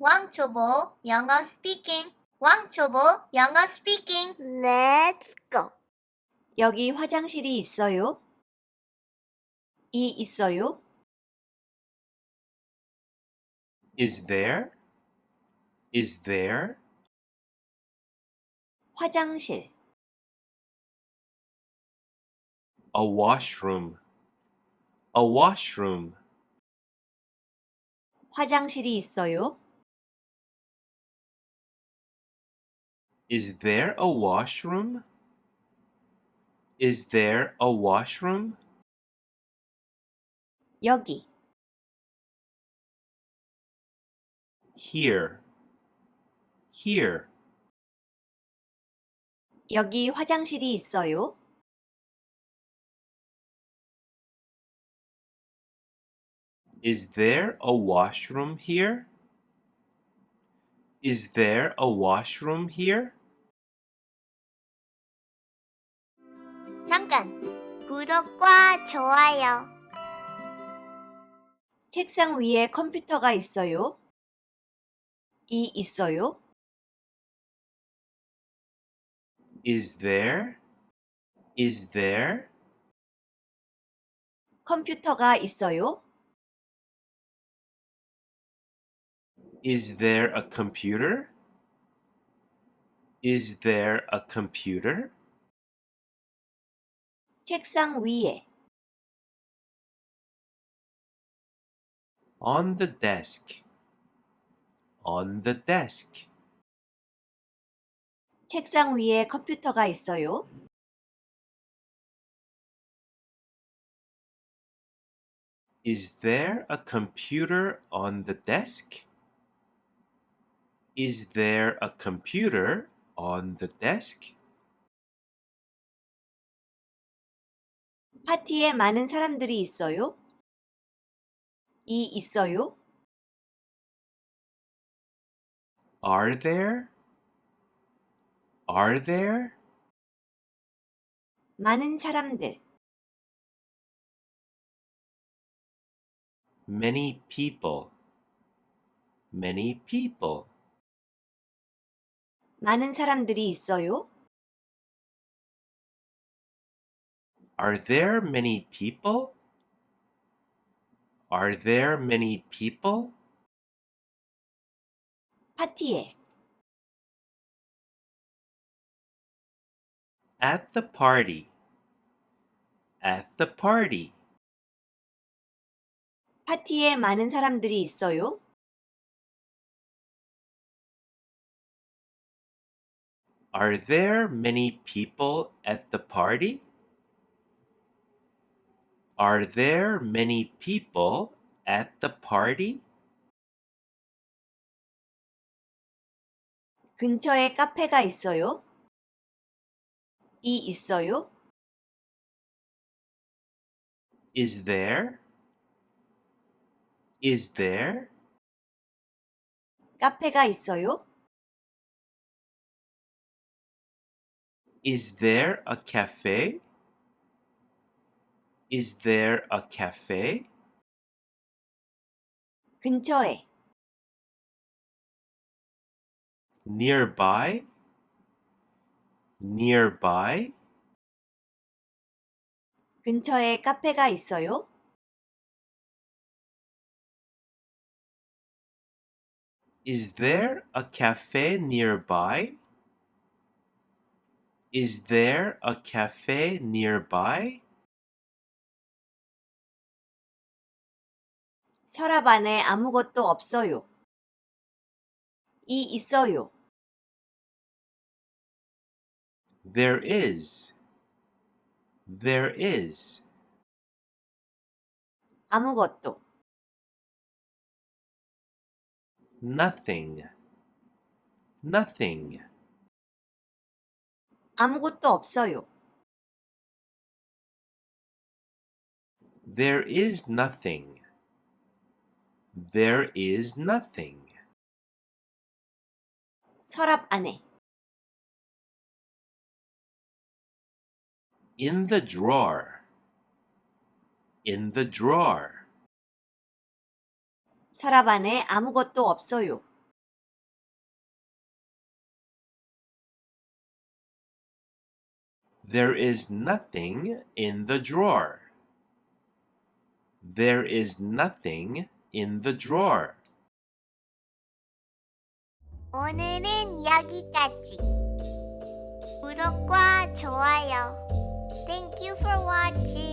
왕초보 영어 스피킹. 왕초보 영어 스피킹. Let's go. 여기 화장실이 있어요? 이 있어요? Is there? Is there? 화장실. A washroom. A washroom. 화장실이 있어요? Is there a washroom? Is there a washroom? 여기. Here. Here. 여기 화장실이 있어요? Is there a washroom here? Is there a washroom here? 잠깐. 구독과 좋아요. 책상 위에 컴퓨터가 있어요? 이 있어요? Is there? Is there? 컴퓨터가 있어요? Is there a computer? Is there a computer? 책상 위에. On the desk. On the desk. 책상 위에 컴퓨터가 있어요? Is there a computer on the desk? Is there a computer on the desk? 파티에 많은 사람들이 있어요? 이 있어요? Are there? Are there? 많은 사람들. Many people. Many people. 많은 사람들이 있어요? Are there many people? Are there many people? 파티에. At the party. At the party. 파티에 많은 사람들이 있어요? Are there many people at the party? Are there many people at the party? 근처에 카페가 있어요? 이 있어요? Is there? Is there? 카페가 있어요? Is there a cafe? Is there a cafe? 근처에. Nearby? Nearby? 근처에 카페가 있어요? Is there a cafe nearby? Is there a cafe nearby? 서랍 안에 아무것도 없어요. 이 있어요. There is. There is. 아무것도. Nothing. Nothing. 아무것도 없어요. There is nothing. There is nothing. 서랍 안에. In the drawer. In the drawer. 서랍 안에 아무것도 없어요. There is nothing in the drawer. There is nothing in the drawer. 오늘은 여기까지. 구독과 좋아요. Thank you for watching.